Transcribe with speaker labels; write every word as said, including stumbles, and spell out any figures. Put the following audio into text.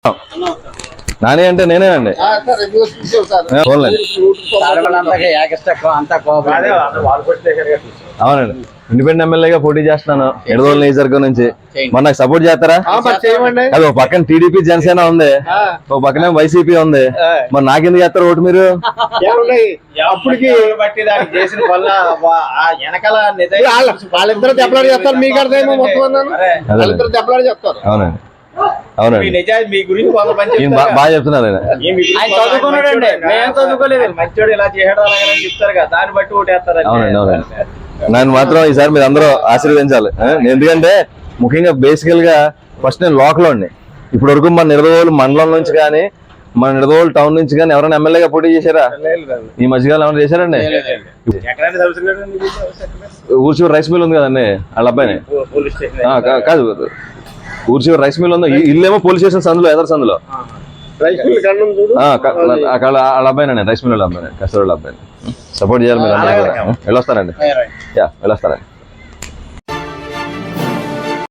Speaker 1: నాని అంటే నేనేనండి. అవునండి, ఇండిపెండెంట్ ఎమ్మెల్యేగా పోటీ చేస్తున్నాను ఎడదోలు నియోజకవర్గం నుంచి. మరి నాకు సపోర్ట్ చేస్తారా? అది ఒక పక్కన టీడీపీ జనసేన ఉంది, ఒక పక్కన వైసీపీ ఉంది, మరి నాకెందుకు చేస్తారు ఓటు మీరు?
Speaker 2: అప్పటికి బట్టి దానికి చేసిన వల్ల వాళ్ళిద్దరు దెబ్బలాడి చేస్తారు, మీకు అర్థమేమో మొత్తం వాళ్ళిద్దరు దెబ్బలాడి చెప్తారు.
Speaker 1: అవునండి అవునండి,
Speaker 2: మీ గురించి
Speaker 1: బాగా చెప్తున్నారు.
Speaker 2: మంచోడు ఇలా చేయడం చెప్తారు కదా, దాన్ని బట్టి ఓటేస్తారు.
Speaker 1: అవునండి అవునండి, నన్ను మాత్రం ఈసారి మీరు అందరూ ఆశీర్వదించాలి. ఎందుకంటే ముఖ్యంగా బేసికల్ గా ఫస్ట్ నేను లోకల్ అండి. ఇప్పుడు వరకు మన నిడదవోలు మండలం నుంచి కానీ మన నిడదవోలు టౌన్ నుంచి కానీ ఎవరైనా ఎమ్మెల్యేగా పోటీ చేశారా? ఈ మధ్యకాలం ఏమైనా చేశారండి? ఊర్చివరి రైస్ మిల్ ఉంది కదండి, వాళ్ళ అబ్బాయిని కాదు, ఊర్చివరి రైస్ మిల్ ఉంది, ఇల్లేమో పోలీస్ స్టేషన్ సందులో, ఎదర్ సందులో వాళ్ళ అబ్బాయినండి, రైస్ మిల్ వాళ్ళ అబ్బాయి, కస్తూరి వాళ్ళ అబ్బాయిని. సపోర్ట్ చేయాలి మీరు. వెళ్ళొస్తారండి, యా వెళ్ళొస్తారండి.